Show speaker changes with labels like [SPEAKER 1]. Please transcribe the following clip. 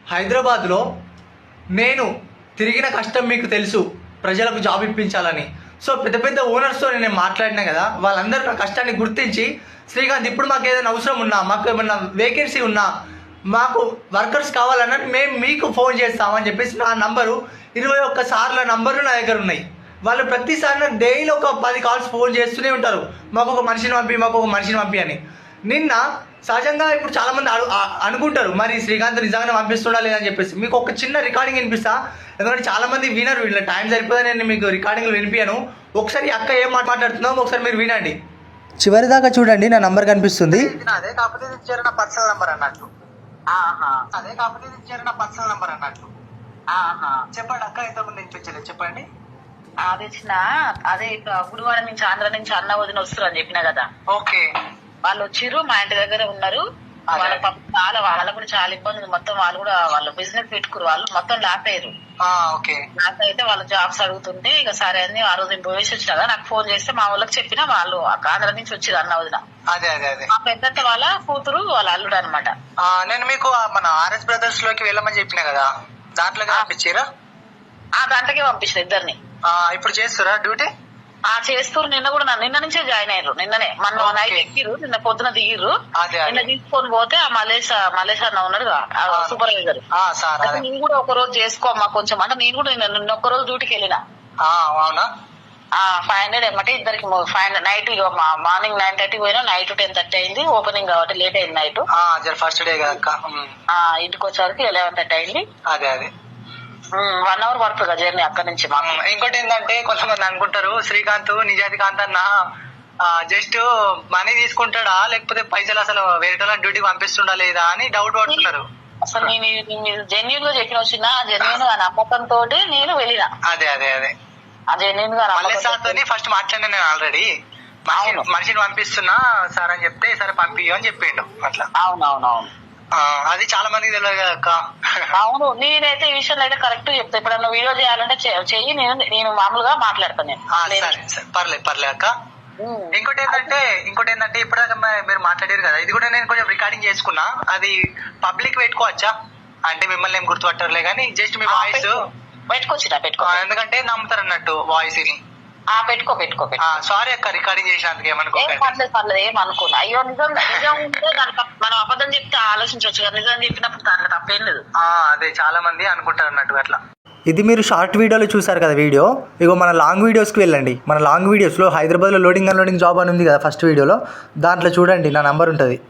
[SPEAKER 1] హైదరాబాద్లో నేను తిరిగిన కష్టం మీకు తెలుసు, ప్రజలకు జాబ్ ఇప్పించాలని. సో పెద్ద పెద్ద ఓనర్స్తో నేను మాట్లాడినా కదా, వాళ్ళందరూ నా కష్టాన్ని గుర్తించి, శ్రీకాంత్ ఇప్పుడు మాకు ఏదైనా అవసరం ఉన్నా, మాకు ఏమన్నా వేకెన్సీ ఉన్నా, మాకు వర్కర్స్ కావాలన్నా మేము మీకు ఫోన్ చేస్తామని చెప్పేసి నా నంబరు 21 సార్ల నంబర్లు నా దగ్గర ఉన్నాయి. వాళ్ళు ప్రతిసారి డైలీ ఒక 10 కాల్స్ ఫోన్ చేస్తూనే ఉంటారు, మాకు ఒక మనిషిని పంపి అని. నిన్న సహజంగా ఇప్పుడు చాలామంది అనుకుంటారు మరి శ్రీకాంత్ నిజంగానే పంపిస్తుండా లేదని చెప్పేసి. మీకు ఒక చిన్న రికార్డింగ్ వినిపిస్తా, ఎందుకంటే చాలామంది వినరు, వీళ్ళ టైం సరిపోదని నేను మీకు రికార్డింగ్లు వినిపించాను. ఒకసారి అక్క ఏం మాట్లాడుతుందో ఒకసారి మీరు వినండి, చివరి దాకా చూడండి. నా నంబర్ కనిపిస్తుంది.
[SPEAKER 2] అదే కాకపోతే ఇది ఇచ్చారు నా పర్సనల్ నంబర్ అన్నట్టు. అదే కాకపోతే ఇది ఇచ్చారు నా పర్సనల్ నంబర్ అన్నట్టు. చెప్పండి అక్క, ఇంతకుముందు వినిపించలేదు, చెప్పండి.
[SPEAKER 3] అది ఇచ్చిన అదే గుడివాడ నుంచి ఆంధ్ర నుంచి అన్న వదిన వస్తారు అని చెప్పినా కదా.
[SPEAKER 2] ఓకే,
[SPEAKER 3] వాళ్ళు వచ్చిర్రు, మా ఇంటి దగ్గర ఉన్నారు. వాళ్ళ చాలా వాళ్ళకు కూడా చాలా ఇబ్బంది. మొత్తం వాళ్ళు కూడా వాళ్ళ బిజినెస్ పెట్టుకురు, వాళ్ళు మొత్తం లాప్ అయ్యారు. నాకు అయితే వాళ్ళ జాబ్స్ అడుగుతుంటే ఇక సరే అని ఆ రోజు పోయేసి వచ్చినా కదా, నాకు ఫోన్ చేస్తే మా వాళ్ళకి చెప్పినా వాళ్ళు ఆంధ్ర నుంచి వచ్చిరు అన్న వదిన. మా పెద్దత్త వాళ్ళ కూతురు వాళ్ళ అల్లుడు అనమాట.
[SPEAKER 2] నేను మీకు మన ఆర్ఎస్ బ్రదర్స్ లోకి వెళ్ళమని చెప్పిన కదా, దాంట్లోకి పంపించారా?
[SPEAKER 3] దాంట్లోకి పంపించిన ఇద్దరిని.
[SPEAKER 2] ఇప్పుడు చేస్తారా డ్యూటీ?
[SPEAKER 3] చేస్తారు. నిన్న నుంచే జాయిన్ అయ్యారు. నిన్ననే మన నైట్ ఎక్కిరు, నిన్న పొద్దున దిగిర్రు. నిన్న తీసుకొని పోతే ఆ మలేష్ అన్న ఉన్నాడు సూపర్వైజర్. నేను కూడా ఒక రోజు చేసుకోమ్మా కొంచెం అంటే, నేను కూడా నిన్న ఒక్క రోజు డ్యూటీకి వెళ్ళిన. 500 ఏమంటే ఇద్దరికి 500 నైట్. మార్నింగ్ 9:30 పోయినా, నైట్ 10:30 అయింది. ఓపెనింగ్ కాబట్టి లేట్ అయింది నైట్.
[SPEAKER 2] ఫస్ట్ డే
[SPEAKER 3] ఇంటికి వచ్చేవరకు 11:30 అయింది. 1 hour పడుతుంది జర్నీ అక్కడి నుంచి.
[SPEAKER 2] ఇంకోటి ఏంటంటే కొంతమంది అనుకుంటారు శ్రీకాంత్ నిజాతికాంత్ అన్న జస్ట్ మనీ తీసుకుంటాడా లేకపోతే పైసలు అసలు వేరే డ్యూటీ పంపిస్తుండా లేదా అని డౌట్ పడుతున్నారు.
[SPEAKER 3] అసలు నేను జెన్యూన్ గా చెప్పిన వచ్చిన జెన్యూన్ గా నమ్మకంతో నేను వెళ్ళిన.
[SPEAKER 2] అదే
[SPEAKER 3] జెన్యూన్ గా
[SPEAKER 2] ఫస్ట్ మాట్లాడినా నేను ఆల్రెడీ. మనిషిని పంపిస్తున్నా సార్ అని చెప్తే సరే పంపియో అని చెప్పిండు అట్లా.
[SPEAKER 3] అవునవునవును,
[SPEAKER 2] అది చాలా మందికి తెలియదు కదా అక్క.
[SPEAKER 3] అవును, నేనైతే ఈ విషయంలో అయితే కరెక్ట్ చెప్తా. ఇప్పుడు వీడియో చేయాలంటే చెయ్యి, నేను మామూలుగా మాట్లాడతాను.
[SPEAKER 2] పర్లేదు అక్క. ఇంకోటి ఏంటంటే ఇప్పటిదాకా మీరు మాట్లాడారు కదా, ఇది కూడా నేను కొంచెం రికార్డింగ్ చేసుకున్నా. అది పబ్లిక్ పెట్టుకోవచ్చా? అంటే మిమ్మల్ని ఏం గుర్తుపట్టరులే కానీ జస్ట్ మీ వాయిస్
[SPEAKER 3] పెట్టుకో, ఎందుకంటే
[SPEAKER 2] నమ్ముతారు అన్నట్టు వాయిస్ ని.
[SPEAKER 3] పెట్టుకో.
[SPEAKER 2] సారీ అక్క, రికార్డింగ్ చేసినందుకు
[SPEAKER 3] పర్లేదు ఏమనుకోను. అయ్యో నిజం ఉంటే దానికి మనం అబద్ధం చెప్తే ఆలోచించవచ్చు కదా, నిజం చెప్పినప్పుడు దాంట్లో తప్పేం లేదు.
[SPEAKER 2] అదే చాలా మంది అనుకుంటారు అన్నట్టు అట్లా.
[SPEAKER 1] ఇది మీరు షార్ట్ వీడియోలో చూసారు కదా వీడియో. ఇగో మన లాంగ్ వీడియోస్కి వెళ్ళండి. మన లాంగ్ వీడియోస్లో హైదరాబాద్లో లోడింగ్ అన్లోడింగ్ జాబ్ అని ఉంది కదా ఫస్ట్ వీడియోలో, దాంట్లో చూడండి, నా నంబర్ ఉంటుంది.